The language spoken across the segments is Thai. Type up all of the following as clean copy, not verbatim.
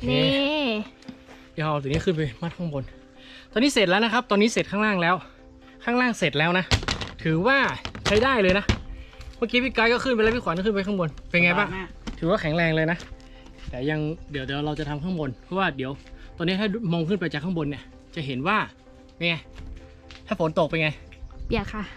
นี่เดี๋ยวเอาตัวนี้ขึ้นไปมัดข้างบนตอนนี้เสร็จแล้วนะครับตอนนี้เสร็จข้างล่างแล้วข้างล่างเสร็จแล้วนะถือว่าใช้ได้เลยนะเมื่อกี้พี่ไกด์ก็ขึ้นไปแล้วพี่ขวัญก็ขึ้นไปข้างบนเป็นไงบ้างถือว่าแข็งแรงเลยนะแต่ยังเดี๋ยวเราจะทำข้างบนเพราะว่าเดี๋ยวตอนนี้ถ้ามองขึ้นไปจากข้างบนเนี่ยจะเห็นว่าเป็นไงถ้าฝนตกเป็นไงเปียกค่ะ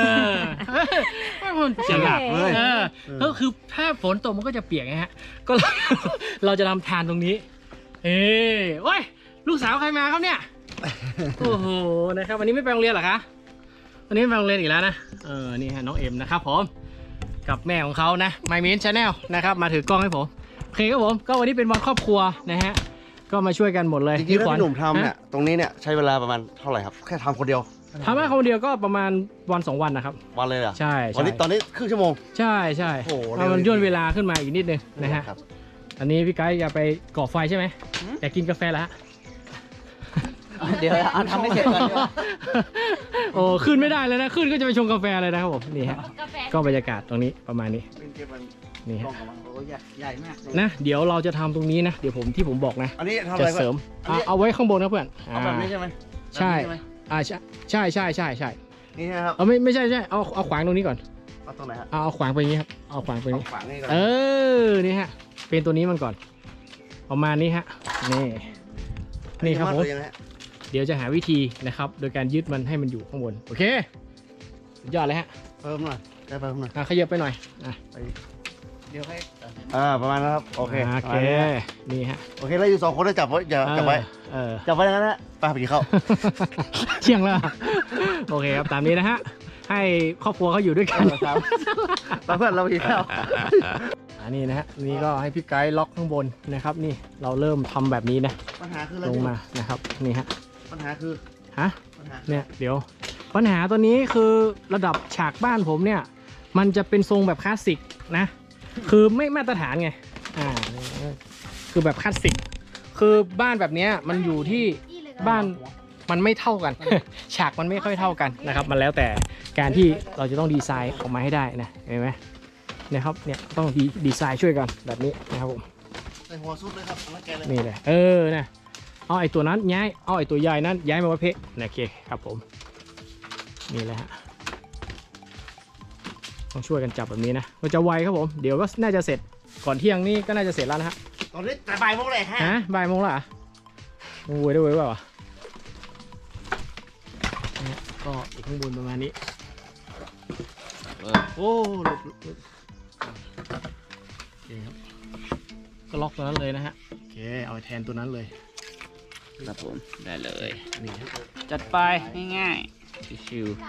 มันเปียกเลยก็คือถ้าฝนตกมันก็จะเปียกไงฮะก็เราจะทำทานตรงนี้โอ้ยลูกสาวใครมาครับเนี่ยโอ้โหนะครับวันนี้ไม่ไปโรงเรียนเหรอคะวันนี้ไม่ไปโรงเรียนอีกแล้วนะนี่ฮะน้องเอ็มนะครับผมกับแม่ของเขานะMy Min Channel นะครับมาถือกล้องให้ผมโอเคครับผมก็วันนี้เป็นวันครอบครัวนะฮะก็มาช่วยกันหมดเลยจริงๆแล้วพี่หนุ่มทำเนี่ยตรงนี้เนี่ยใช้เวลาประมาณเท่าไหร่ครับแค่ทำคนเดียวทำแค่คนเดียวก็ประมาณวัน2 วันนะครับวันเลยเหรอใช่วันนี้ตอนนี้ครึ่งชั่วโมงใช่มันย่นเวลาขึ้นมาอีกนิดนึงนะฮะอันนี้พี่ไกด์จะไปก่อไฟใช่ไหมอยากกินกาแฟแล้วเดี๋ยวเอาทำให้เสร็จก่อนโอ้ขึ้นไม่ได้เลยนะขึ้นก็จะไปชงกาแฟเลยนะครับผมนี่ฮะก็บรรยากาศตรงนี้ประมาณนี้นี่ฮะใหญ่มากนะเดี๋ยวเราจะทำตรงนี้นะเดี๋ยวที่ผมบอกนะจะเสริมเอาไว้ข้างบนนะเพื่อนเอาแบบนี้ใช่ไหมใช่ใช่นี่นะครับไม่ใช่เอาขวางตรงนี้ก่อนเอาตรงไหนฮะเอาขวางไปอย่างนี้ครับเอาขวางไปนี้นี่ฮะเป็นตัวนี้มันก่อนประมาณนี้ฮะนี่ครับผมเดี๋ยวจะหาวิธีนะครับโดยการยึดมันให้มันอยู่ข้างบนโอเคสุดยอดเลยฮะเพิ่มหน่อยได้เพิ่มหน่อยขยับไปหน่อยเดี๋ยวให้ประมาณนั้นครับโอเคนี่ฮะโอเคแล้วอยู่2 คนได้จับไว้อย่าจับไว้จับไว้อย่างนั้นนะไปกินข้าวเที่ยงแล้วโอเคครับตามนี้นะฮะให้ครอบครัวเขาอยู่ด้วยกันเพื่อนเรากินข้าวนี่นะฮะนี่ก็ให้พี่ไกด์ล็อกข้างบนนะครับนี่เราเริ่มทำแบบนี้นะปัญหาคือลงมานะครับนี่ฮะปัญหาคือเนี่ยเดี๋ยวปัญหาตัวนี้คือระดับฉากบ้านผมเนี่ยมันจะเป็นทรงแบบคลาสสิกนะคือไม่มาตรฐานไงคือแบบคลาสสิกคือบ้านแบบนี้มันอยู่ที่บ้านมันไม่เท่ากันฉากมันไม่ค่อยเท่ากันนะครับมันแล้วแต่การที่เราจะต้องดีไซน์ออกมาให้ได้นะเห็นไหมนะครับเนี่ยต้องดีไซน์ช่วยกันแบบนี้นะครับผมใส่หัวซุปเลยครับนี่เลยนะเอาไอ้ตัวนั้นย้ายเอาไอ้ตัวใหญ่นั้นย้ายมาไว้เพะโอเคครับผมนี่แหละฮะต้องช่วยกันจับแบบนี้นะมันจะไวครับผมเดี๋ยวก็น่าจะเสร็จก่อนเที่ยงนี่ก็น่าจะเสร็จแล้วนะฮะตอนนี้แต่บ่ายโมงเลยฮะบ่ายโมงแล้วอ่ะโอ้ยได้เว้ยเปล่าก็อีกข้างบนประมาณนี้โอ้ก็ล็อกตัวนั้นเลยนะฮะโอเคเอาไปแทนตัวนั้นเลยครับผมได้เลยนี่จัดไปง่ายๆชิวๆ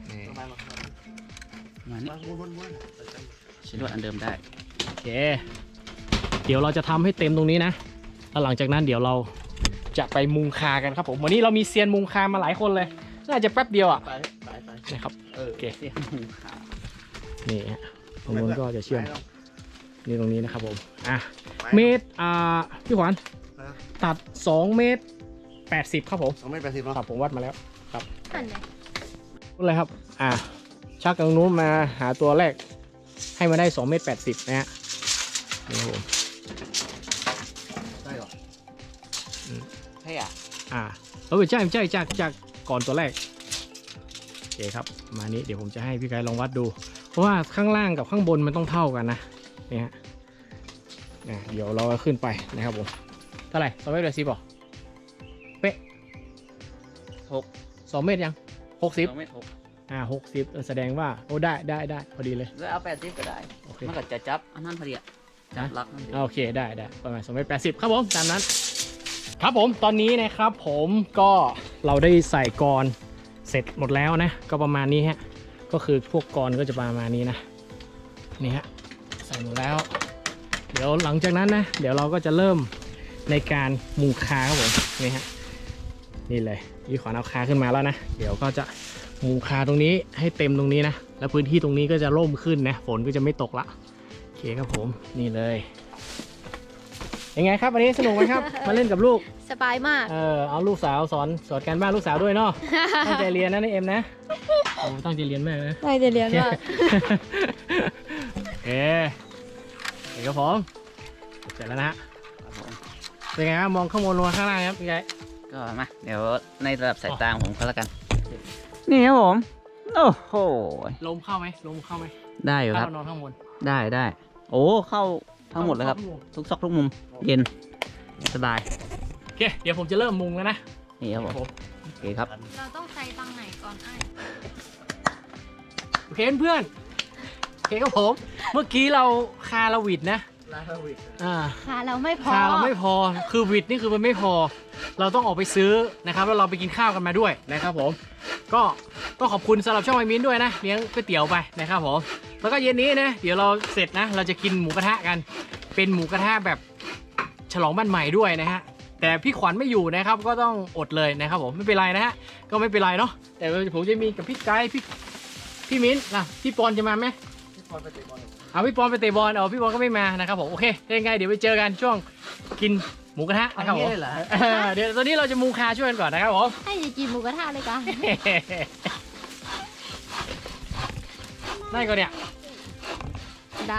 มานี่ชิ้นลวดอันเดิมได้โอเคเดี๋ยวเราจะทำให้เต็มตรงนี้นะแล้วหลังจากนั้นเดี๋ยวเราจะไปมุงคากันครับผมวันนี้เรามีเซียนมุงคามาหลายคนเลยน่าจะแป๊บเดียวอ่ะนะครับโอเคนี่ฮะตรงนู้นก็จะเชื่อมนี่ตรงนี้นะครับผมเมตรพี่ขวัญตัด2 เมตร 80ครับผม 2 เมตร 80 ครับผมวัดมาแล้วครับอะไรครับชักตรงนู้นมาหาตัวแรกให้มาได้2 เมตร 80นะฮะนี่ครับผมได้หรอใช่ใช่จากก่อนตัวแรกโอเคครับมานี้เดี๋ยวผมจะให้พี่ไกด์ลองวัดดูเพราะว่าข้างล่างกับข้างบนมันต้องเท่ากันนะนี่ฮะเดี๋ยวเราขึ้นไปนะครับผมเท่าไหร่2 เมตร 80ป่ะเป๊ะ2 เมตรยัง60 2 เมตร 60แสดงว่าโอ้ได้พอดีเลยเอา80ก็ได้มันก็จะจับอันนั้นพอดีจับลักนั่นโอเคได้ประมาณ2 เมตร 80ครับผมตามนั้นครับผมตอนนี้นะครับผมก็เราได้ใส่กรเสร็จหมดแล้วนะก็ประมาณนี้ฮะก็คือพวกกรก็จะประมาณนี้นะนี่ฮะใส่หมดแล้วเดี๋ยวหลังจากนั้นนะเดี๋ยวเราก็จะเริ่มในการมุงคาครับผมนี่ฮะนี่เลยยี่ขวานเอาคาขึ้นมาแล้วนะเดี๋ยวก็จะมุงคาตรงนี้ให้เต็มตรงนี้นะแล้วพื้นที่ตรงนี้ก็จะร่มขึ้นนะฝนก็จะไม่ตกละโอเคครับผมนี่เลยยังไงครับวันนี้สนุกไหมครับ มาเล่นกับลูกสบายมากเอาลูกสาวสอนการบ้านลูกสาวด้วยเนาะตั้งใจเรียนนะนี่เอ็มนะโอ้ตั้งใจเรียนมากนะตั้งใจเรียนมากโอเคครับผมเสร็จแล้วนะเป็นไงครับมองข้างบนลงมาข้างล่างครับพี่ไก่ก็มาเดี๋ยวในระดับสายตาของผมก็แล้วกัน นี่ครับผม โอ้โหลมเข้าไหมลมเข้าไหมได้อยู่คถ้ารับเรานอนข้างบนได้โอ้เข้าทั้งหมดเลยครับ ทุกซอกทุกมุม เย็นสบายโอเคเดี๋ยวผมจะเริ่มมุงแล้วนะนี่ครับผมโอเคครับเราต้องใส่ตังไหนก่อนไอ้โอเคเพื่อนโอเคครับผมเมื่อกี้เราคาราวิดนะอ่าค่ะเราไม่พอคาเราไม่พอคือวิดนี่คือมันไม่พอ เราต้องออกไปซื้อนะครับแล้วเราไปกินข้าวกันมาด้วยนะครับผมก็ขอบคุณสำหรับช่องไอมินด้วยนะเลี้ยงก๋วยเตี๋ยวไปนะครับผมแล้วก็เย็นนี้นะเดี๋ยวเราเสร็จนะเราจะกินหมูกระทะกัน เป็นหมูกระทะแบบฉลองบ้านใหม่ด้วยนะฮะแต่พี่ขวัญไม่อยู่นะครับก็ต้องอดเลยนะครับผมไม่เป็นไรนะฮะก็ไม่เป็นไรเนาะแต่ผมจะมีกับพี่ไกด์พี่มิ้นนะพี่ปอนจะมาไหมเอาพี่ปอนไปเตะบอลพี่ปอนก็ไม่มานะครับผมโอเคยังไงเดี๋ยวไปเจอกันช่วงกินหมูกระทะนะครับผมเดี๋ยวตอนนี้เราจะมูคาช่วยกันก่อนนะครับผมให้จะกินหมูกระทะเลยกันได้ก่อนเนี่ยได้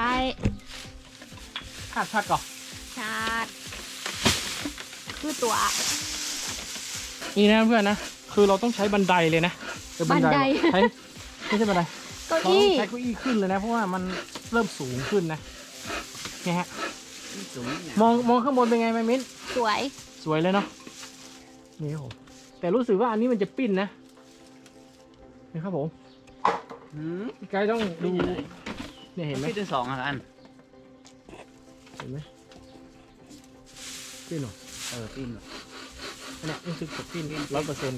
พัดก่อนชาดคือตัวนี่นะเพื่อนนะคือเราต้องใช้บันไดเลยนะแต่บันไดใช้ไม่ใช่บันไดเก้าเราต้ออี้งใช้เก้าอี้ขึ้นเลยนะเพราะว่ามันเริ่มสูงขึ้นนะเนี่ยฮะมองข้างบนเป็นไงไหมมิ้นสวยสวยเลยเนาะนี่ครับผมแต่รู้สึกว่าอันนี้มันจะปิ้นนะนี่ครับผมพี่ไกด์ต้องดูเนี่ยเห็นไหมพี่ที่สองอ่ะอันเห็นไหมปิ้นเหรอปิ้นอันเนี้ยรู้สึกจะปิ้น100%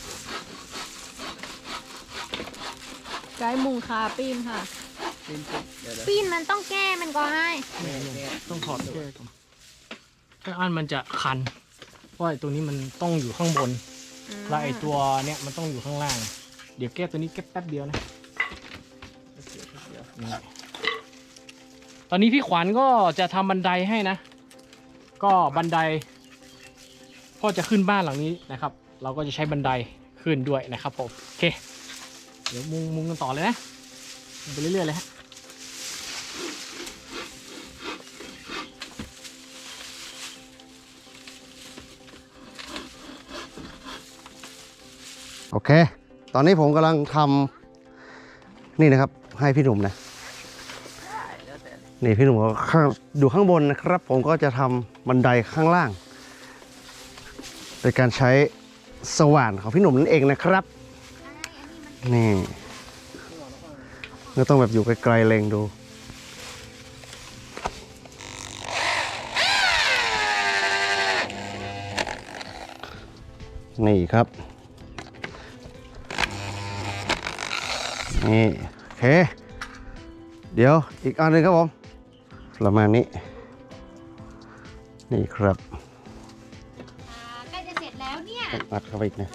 ไกด์มุงคาปีนค่ะปิ้นเดี๋ยวปีนมันต้องแก้มันก่อนให้ต้องถอดแก้ก่อนถ้าอันมันจะคันเพราะไอ้ตัวนี้มันต้องอยู่ข้างบนแล้วไอ้ตัวเนี้ยมันต้องอยู่ข้างล่าง เดี๋ยวแก้ตัวนี้แก้แป๊บเดียวนะนี่ตอนนี้พี่ขวัญก็จะทำบันไดให้นะ ก็บันไดก็จะขึ้นบ้านหลังนี้นะครับ เราก็จะใช้บันไดขึ้นด้วยนะครับผมโอเคเดี๋ยวมุงกันต่อเลยนะมุงไปเรื่อยๆเลยฮะโอเค ตอนนี้ผมกำลังทำนี่นะครับให้พี่หนุ่มนะนี่พี่หนุ่มอยู่ข้างบนนะครับ ผมก็จะทำบันไดข้างล่างโดยการใช้สว่านของพี่หนุ่มนั่นเองนะครับนี่ก็ต้องแบบอยู่ไกลๆเล็งดูนี่ครับนี่โอเคเดี๋ยวอีกอันหนึงครับผมประมาณนี้นี่ครับใกล้จะเสร็จแล้วเนี่ยอัดเข้าไปอีกนะ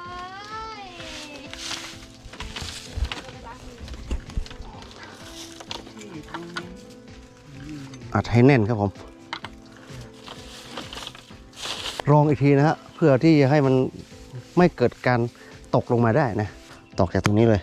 อัดให้แน่นครับผมรองอีกทีนะฮะเพื่อที่จะให้มันไม่เกิดการตกลงมาได้นะตอกจากตรงนี้เลย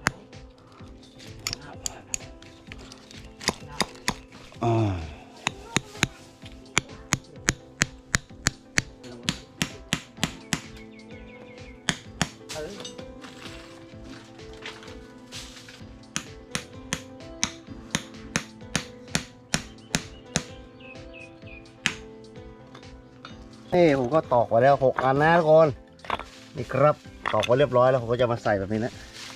นี่ผมก็ตอกไว้แล้ว6 อันนะทุกคนนี่ครับตอกไว้เรียบร้อยแล้วผมก็จะมาใส่แบบนี้นะ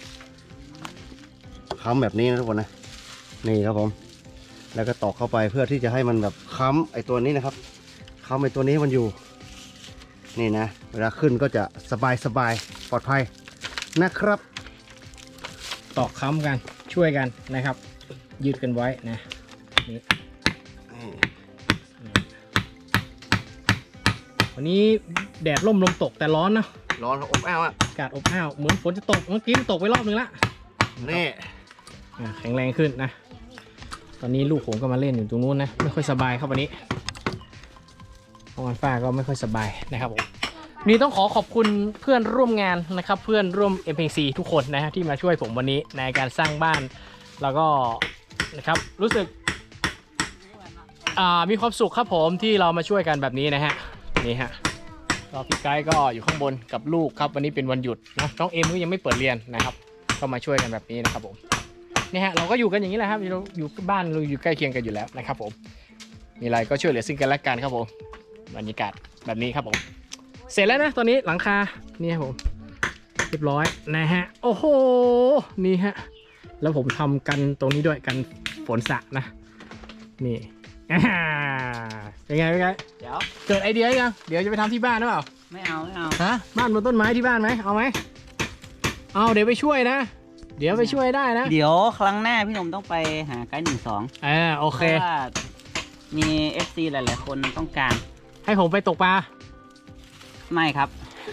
ค้ำแบบนี้นะทุกคนนะนี่ครับผมแล้วก็ตอกเข้าไปเพื่อที่จะให้มันแบบค้ำไอ้ตัวนี้นะครับค้ำไอ้ตัวนี้มันอยู่นี่นะเวลาขึ้นก็จะสบายปลอดภัยนะครับตอกค้ำกันช่วยกันนะครับ ยืดกันไว้นะนี่วันนี้แดดร่มลมตกแต่ร้อนนะร้อนอบอ้าวอ่ะอากาศอบอ้าวเหมือนฝนจะตกเมื่อกี้ตกไปรอบนึงละนี่แข็งแรงขึ้นนะ ตอนนี้ลูกผมก็มาเล่นอยู่ตรงนู้นนะไม่ค่อยสบายครับวันนี้เพราะวันฟ้าก็ไม่ค่อยสบายนะครับผมนี่ต้องขอบคุณเพื่อนร่วมงานนะครับ เพื่อนร่วม MPC ทุกคนนะฮะที่มาช่วยผมวันนี้ในการสร้างบ้านแล้วก็นะครับรู้สึกมีความสุขครับผมที่เรามาช่วยกันแบบนี้นะฮะนี่ฮะเราพี่ไกด์ก็อยู่ข้างบนกับลูกครับวันนี้เป็นวันหยุดนะน้องเอ็มก็ยังไม่เปิดเรียนนะครับก็มาช่วยกันแบบนี้นะครับผมนี่ฮะเราก็อยู่กันอย่างนี้แหละครับเราอยู่บ้านเราอยู่ใกล้เคียงกันอยู่แล้วนะครับผมมีอะไรก็ช่วยเหลือซึ่งกันและกันครับผมบรรยากาศแบบนี้ครับผมเสร็จแล้วนะตอนนี้หลังคานี่ครับผมเรียบร้อยนะฮะโอ้โหนี่ฮะแล้วผมทำกันตรงนี้ด้วยกันฝนสระนะนี่เป็นไงเป็นไงเดี๋ยวเกิดไอเดียยังเดี๋ยวจะไปทำที่บ้านหรือเปล่าไม่เอาไม่เอาฮะบ้านบนต้นไม้ที่บ้านไหมเอาไหมเอาเดี๋ยวไปช่วยนะ เดี๋ยวไปช่วยได้นะเดี๋ยวครั้งหน้าพี่หนุ่มต้องไปหาไกด์12 โอเคเพราะว่ามี FC หลายๆคนต้องการให้ผมไปตกปลาไม่ครับ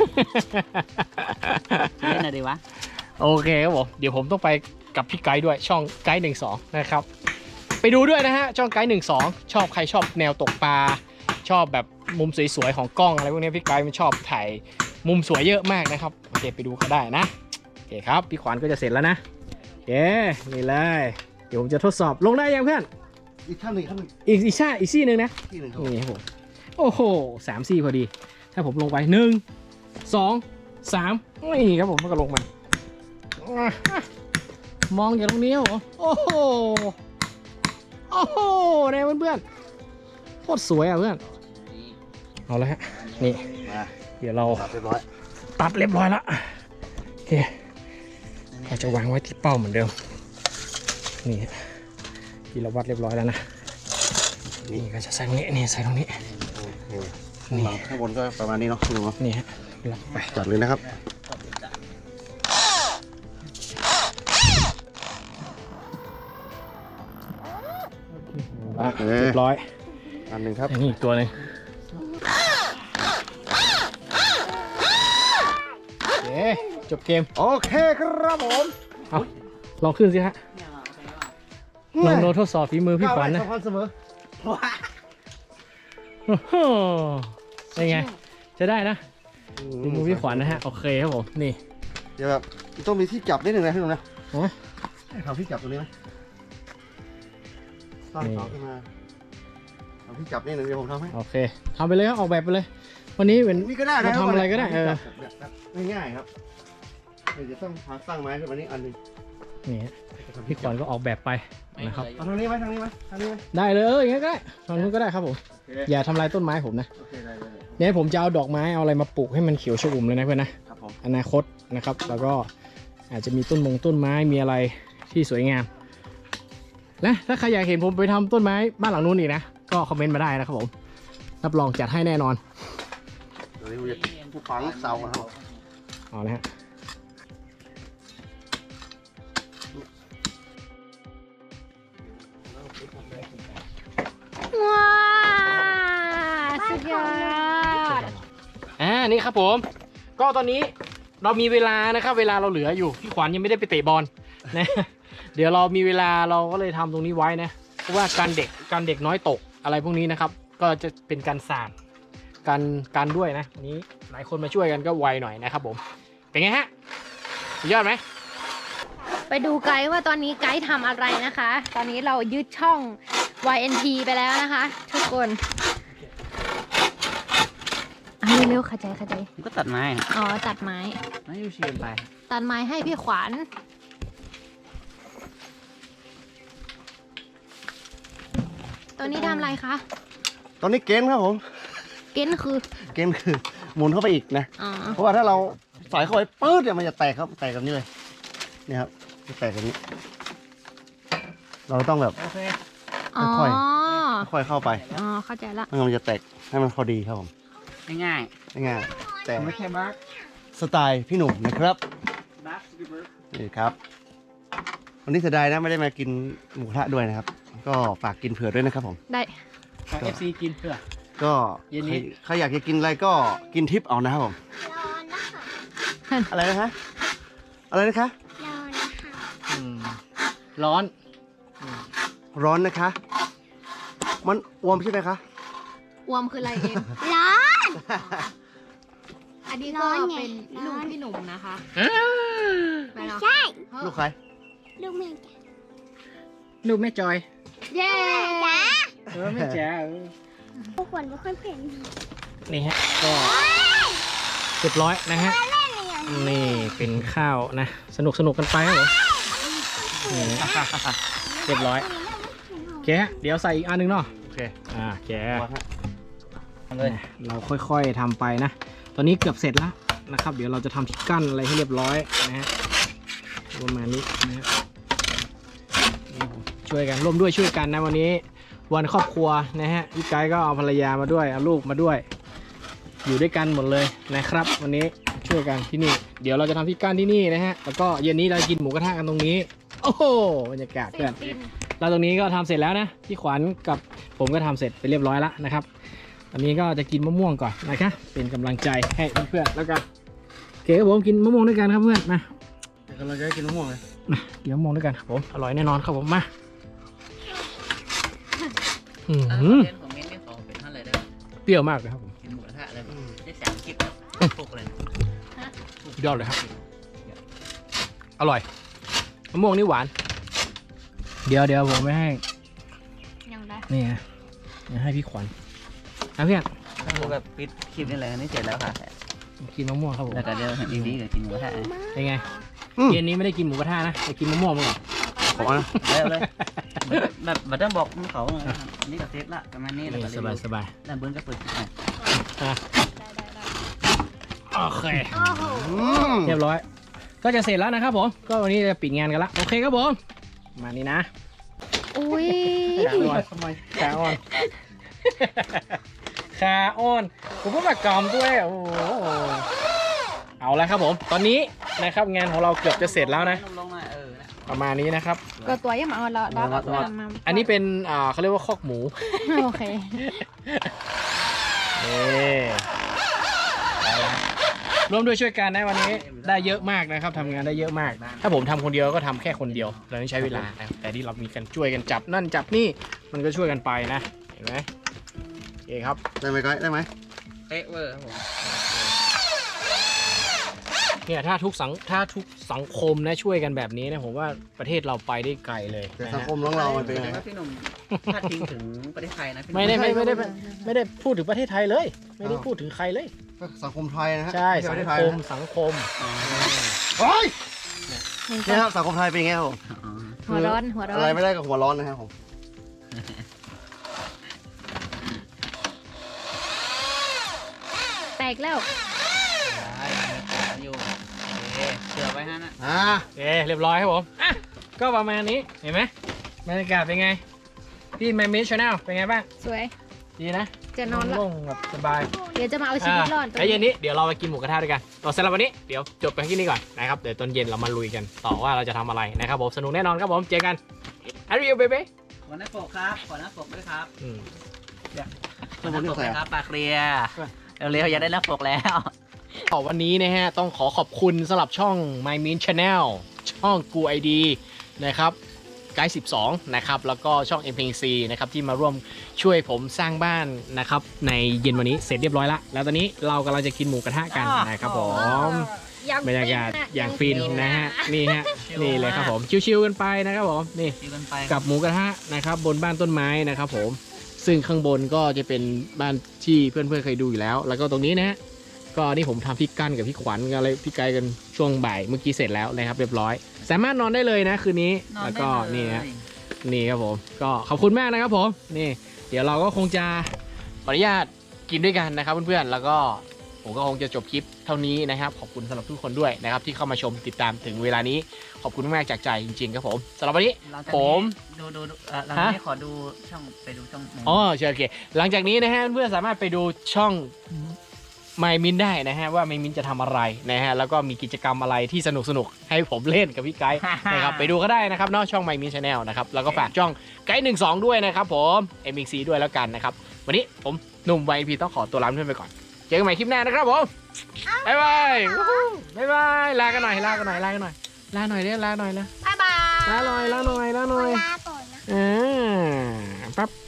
เล่นอะไรดีวะโอเคครับผมเดี๋ยวผมต้องไปกับพี่ไกด์ด้วยช่องไกด์12นะครับไปดูด้วยนะฮะช่องไกด์12ชอบใครชอบแนวตกปลาชอบแบบมุมสวยๆของกล้องอะไรพวกนี้พี่ไกด์มันชอบถ่ายมุมสวยเยอะมากนะครับโอเคไปดูเขาได้นะโอเคครับพี่ขวัญก็จะเสร็จแล้วนะโอเคนี่เลยเดี๋ยวผมจะทดสอบลงได้ยังเพื่อนอีกขั้นหนึ่งขั้นหนึ่งอีกซี่หนึ่งนะที่หนึ่งครับนี่ครับผมโอ้โห3 ซี่พอดีถ้าผมลงไป1 2 3นี่ครับผมมันก็ลงมามองอย่างตรงนี้ครับผมโอ้โหโอ้โหเนี่ยเพื่อนๆโคตรสวยอ่ะเพื่อนเอาละฮะนี่มาเดี๋ยวเราเรียบร้อยตัดเรียบร้อยแล้วโอเคเราจะวางไว้ที่เป้าเหมือนเดิมนี่ที่เราวัดเรียบร้อยแล้วนะนี่ก็จะใส่ตรงนี้นี่ใส่ตรงนี้โอเคข้างบนก็ประมาณนี้เนาะดูเนาะนี่ฮะล็อกไปจัดเลยนะครับเรียบร้อยอันหนึ่งครับอันนี้อีกตัวหนึงโอเคจบเกมโอเคครับผมเอาลองขึ้นสิฮะลองโดนทดสอบฝีมือพี่ขวัญนะสำคัญเสมอโอ้โหเป็นไงจะได้นะฝีมือพี่ขวัญนะฮะโอเคครับผมนี่เดี๋ยวแบบต้องมีที่จับนิดหนึ่งนะพี่หนุ่มนะฮะให้เขาที่จับตรงนี้ไหมตั้งเสาขึ้นมาเอาที่จับนิดหนึ่งเดี๋ยวผมทำให้โอเคทำไปเลยครับออกแบบไปเลย วันนี้เป็นนี่ก็ได้นะเราทำอะไรก็ได้ง่ายๆครับเดี๋ยวจะต้องหาสร้างไม้ขึ้นมานี่อันหนึงนี่ฮะพี่ขวัญก็ออกแบบไปนะครับเอาทางนี้ไหมทางนี้ไหมทางนี้ไหมได้เลยอย่างงั้นก็ได้ทางนู้นก็ได้ครับผมโอเคอย่าทำลายต้นไม้ผมนะโอเคได้เนี่ยผมจะเอาดอกไม้เอาอะไรมาปลูกให้มันเขียวชอุ่มเลยนะเพื่อนนะครับผมอนาคตนะครับ แล้วก็อาจจะมีต้นไม้มีอะไรที่สวยงามและถ้าใครอยากเห็นผมไปทำต้นไม้บ้านหลังนู้นอีกนะก็คอมเมนต์มาได้นะครับผมรับรองจัดให้แน่นอนเดี๋ยวนี้ผมจะฝังเสาครับเอาละฮะว้าสุดยอดนี่ครับผมก็ตอนนี้เรามีเวลานะครับเวลาเราเหลืออยู่พี่ขวัญยังไม่ได้ไปเตะบอลนะ เดี๋ยวเรามีเวลาเราก็เลยทำตรงนี้ไว้นะเพราะว่าการเด็กน้อยตกอะไรพวกนี้นะครับ ก็จะเป็นการสาดการด้วยนะวันนี้หลายคนมาช่วยกันก็ไวหน่อยนะครับผมเป็นไงฮะสุดยอดไหมไปดูไกด์ว่าตอนนี้ไกด์ทำอะไรนะคะ ตอนนี้เรายึดช่อง YNT ไปแล้วนะคะ ทุกคนเร็วๆขจายผมก็ตัดไม้อะอ๋อตัดไม้ไม่ยูเชียนไปตัดไม้ให้พี่ขวัญตอนนี้ทำอะไรคะตอนนี้เกณฑ์ครับผมเก้นคือเกณฑ์คือหมุนเข้าไปอีกนะอ๋อเพราะว่าถ้าเราใส่เข้าไปปื๊ดเนี่ยมันจะแตกครับแตกแบบนี้เลยเนี่ยครับจะแตกแบบนี้ เราต้องแบบโอเคอ๋อค่อยเข้าไปอ๋อเข้าใจละไม่งั้นมันจะแตกให้มันพอดีครับผมง่ายง่ายๆแต่ๆไม่แค่บักสไตล์พี่หนุ่มนะครับบักนี่ครับ วันนี้เสียดายนะไม่ได้มากินหมูกระทะด้วยนะครับ ก็ฝากกินเผื่อด้วยนะครับผมได้ฝาก FC กินเพื่อก็เย็นนี้ใครอยากจะกินอะไรก็กินทิปเอานะครับผมอะไรนะคะอะไรนะคะร้อนร้อนนะคะ มันอวมใช่ไหมคะอวมคืออะไรเองร้อนอันนี้ร้ก็อนไงเป็นร้ลูอก นพี่หนุ่มนะคะ ไปเนาะใช่เฮ้ยลูกใครลูกแม่ลูกแม่จอยเย้จ๋าไม่แจ๋วพวกคนไม่ค่อยเป็นนี่ฮะก็เรียบร้อยนะฮะนี่เป็นข้าวนะ สนุกกันไปครับผมนี่เรียบร้อยโอเคฮะเดี๋ยวใส่อีกอันหนึงเนาะโอเคโอเคเลยเราค่อยๆทำไปนะ ตอนนี้เกือบเสร็จแล้วนะครับ เดี๋ยวเราจะทำที่กั้นอะไรให้เรียบร้อยนะฮะประมาณนี้นะฮะช่วยกันร่วมด้วยช่วยกันนะวันนี้วันครอบครัวนะฮะพี่ไกด์ก็เอาภรรยามาด้วยเอาลูกมาด้วย อยู่ด้วยกันหมดเลยนะครับ วันนี้ช่วยกันที่นี่ เดี๋ยวเราจะทำที่กั้นที่นี่นะฮะแล้วก็เย็นนี้เรากินหมูกระทะกันตรงนี้ โอ้โหบรรยากาศเพื่อนเราตรงนี้ก็ทำเสร็จแล้วนะพี่ขวัญกับผมก็ทำเสร็จไปเรียบร้อยแล้วนะครับตอนนี้ก็จะกินมะม่วงก่อนนะครับเป็นกำลังใจให้เพื่อนๆแล้วกันโอเคครับผมกินมะม่วงด้วยกันครับเพื่อนมาเดี๋ยวเราจะได้กินมะม่วงเลยมากินมะม่วงด้วยกันครับผมอร่อยแน่นอนครับผมมาเรียนของมิ้นนี่ขอเป็นเท่าไหร่ได้เปรี้ยวมากเลยครับผมกินหมูกระทะอะไรได้30 พวกเลยยอดเลยครับอร่อยมะม่วงนี่หวานเดี๋ยวผมไม่ให้ยังได้นี่ฮะเดี๋ยวให้พี่ขวัญนะเพื่อนคือแบบปิดคลิปนี่เลยนี่เสร็จแล้วค่ะกินมะม่วงครับผมแล้วก็เดี๋ยวเห็นดีๆกับกินหมูกระทะเป็นไงเย็นนี้ไม่ได้กินหมูกระทะนะไปกินมะม่วงมาก่อนขอนะแล้วเลยแบบต้องบอกเขานี่ก็เสร็จละประมาณนี้แล้วก็สบายแล้วเบิ้ลก็เปิดคลิปใหม่โอเคโอ้โหเรียบร้อย ก็จะเสร็จแล้วนะครับผมก็วันนี้จะปิดงานกันละโอเคครับผมมานี่นะอุ้ยขาอ่อนขาอ่อนผมก็มากอมด้วยโอ้โหเอาละครับผมตอนนี้นะครับงานของเราเกือบจะเสร็จแล้วนะลงมาประมาณนี้นะครับก็ตัวยังมาเอาเรามาอันนี้เป็นเขาเรียกว่าคอกหมูโอเคนี่เอาละร่วมด้วยช่วยกันนะวันนี้ได้เยอะมากนะครับทำงานได้เยอะมาก ถ้าผมทำคนเดียวก็ทำแค่คนเดียวเราต้องใช้เวลานะแต่ที่เรามีกันช่วยกันจับนั่นจับนี่มันก็ช่วยกันไปนะเห็นไหมโอเคครับได้ไหมไกด์ได้ไหมเป๊ะเวอร์ครับผมเนี่ยถ้าทุกสังคมนะช่วยกันแบบนี้นะผมว่าประเทศเราไปได้ไกลเลยแต่นะสังฮะคมของเรามันเป็นยังไงพี่หนุ่มพาดพิงถึงประเทศไทยนะไม่ได้พูดถึงประเทศไทยเลย ไม่ได้พูดถึงใครเลยก็สังคมไทยนะฮะใช่ไม่สัใช่งประเทศไทยคมนะสังคมโอ้ยเนี่ยครับสังคมไทยเป็นยังไงครับผมหัวร้อนอะไรไม่ได้กับหัวร้อนนะครับผมแตกแล้วอยู่เชื่อไว้ฮะนะโอเคเรียบร้อยครับผมอ่ะก็ประมาณนี้เห็นไหมบรรยากาศเป็นไงพี่แมมมี่ชาแนลเป็นไงบ้างสวยดีนะจะนอนละโล่งแบบสบายเดี๋ยวจะมาเอาชีวิตรอดตรงแล้วเย็นนี้เดี๋ยวเราไปกินหมูกระทะด้วยกันต่อสำหรับวันนี้เดี๋ยวจบไปที่นี่ก่อนนะครับเดี๋ยวตอนเย็นเรามาลุยกันต่อว่าเราจะทำอะไรนะครับผมสนุกแน่นอนครับผมเจอกันอาริโอเบเบ้ขอหน้าปกครับขอหน้าปกด้วยครับข้างบนนี่ใส่ครับปากเคลียร์เร็วๆอย่าได้หน้าปกแล้ววันนี้นะฮะต้องขอขอบคุณสำหรับช่อง My Min Channel ช่อง Gu ID นะครับไกด์12นะครับแล้วก็ช่อง MPC นะครับที่มาร่วมช่วยผมสร้างบ้านนะครับในเย็นวันนี้เสร็จเรียบร้อยแล้วแล้วตอนนี้เรากำลังจะกินหมูกระทะกันนะครับผม บรรยากาศอย่างฟินนะฮะนี่ฮะนี่เลยครับผมชิวๆกันไปนะครับผมนี่ดีกันไปกับหมูกระทะนะครับบนบ้านต้นไม้นะครับผมซึ่งข้างบนก็จะเป็นบ้านที่เพื่อนๆเคยดูอยู่แล้ว แล้วก็ตรงนี้นะฮะก็นี่ผมทำพี่กั้นกับพี่ขวัญกันเลยพี่ไกด์กันช่วงบ่ายเมื่อกี้เสร็จแล้วนะครับเรียบร้อย สามารถนอนได้เลยนะคืนนี้แล้วก็นี่ฮะนี่ครับผมก็ขอบคุณมากนะครับผมนี่เดี๋ยวเราก็คงจะขออนุญาตกินด้วยกันนะครับเพื่อนๆแล้วก็ผมก็คงจะจบคลิปเท่านี้นะครับขอบคุณสำหรับทุกคนด้วยนะครับที่เข้ามาชมติดตามถึงเวลานี้ขอบคุณมากจากใจจริงๆครับผมสำหรับวันนี้ผมดูเราไม่ขอดูช่องไปดูช่องอ๋อโอเคหลังจากนี้นะฮะเพื่อนสามารถไปดูช่องไมมินได้นะฮะว่าไมมินจะทำอะไรนะฮะแล้วก็มีกิจกรรมอะไรที่สนุกๆให้ผมเล่นกับพี่ไกด์ นะครับไปดูก็ได้นะครับเนอกช่องไมมินชาแนลนะครับแล้วก็ฝากช่องไกด์12ด้วยนะครับผม MXC ด้วยแล้วกันนะครับวันนี้ผมหนุ่ม YNP ต้องขอตัวลาเพื่อนไปก่อนเจอกันใหม่คลิปหน้านะครับผมบ๊ายบายบ๊ายบายลากันหน่อยลาหน่อยเด้อลาหน่อยนะบ๊ายบายลาหน่อยลาก่อนนะปั๊บ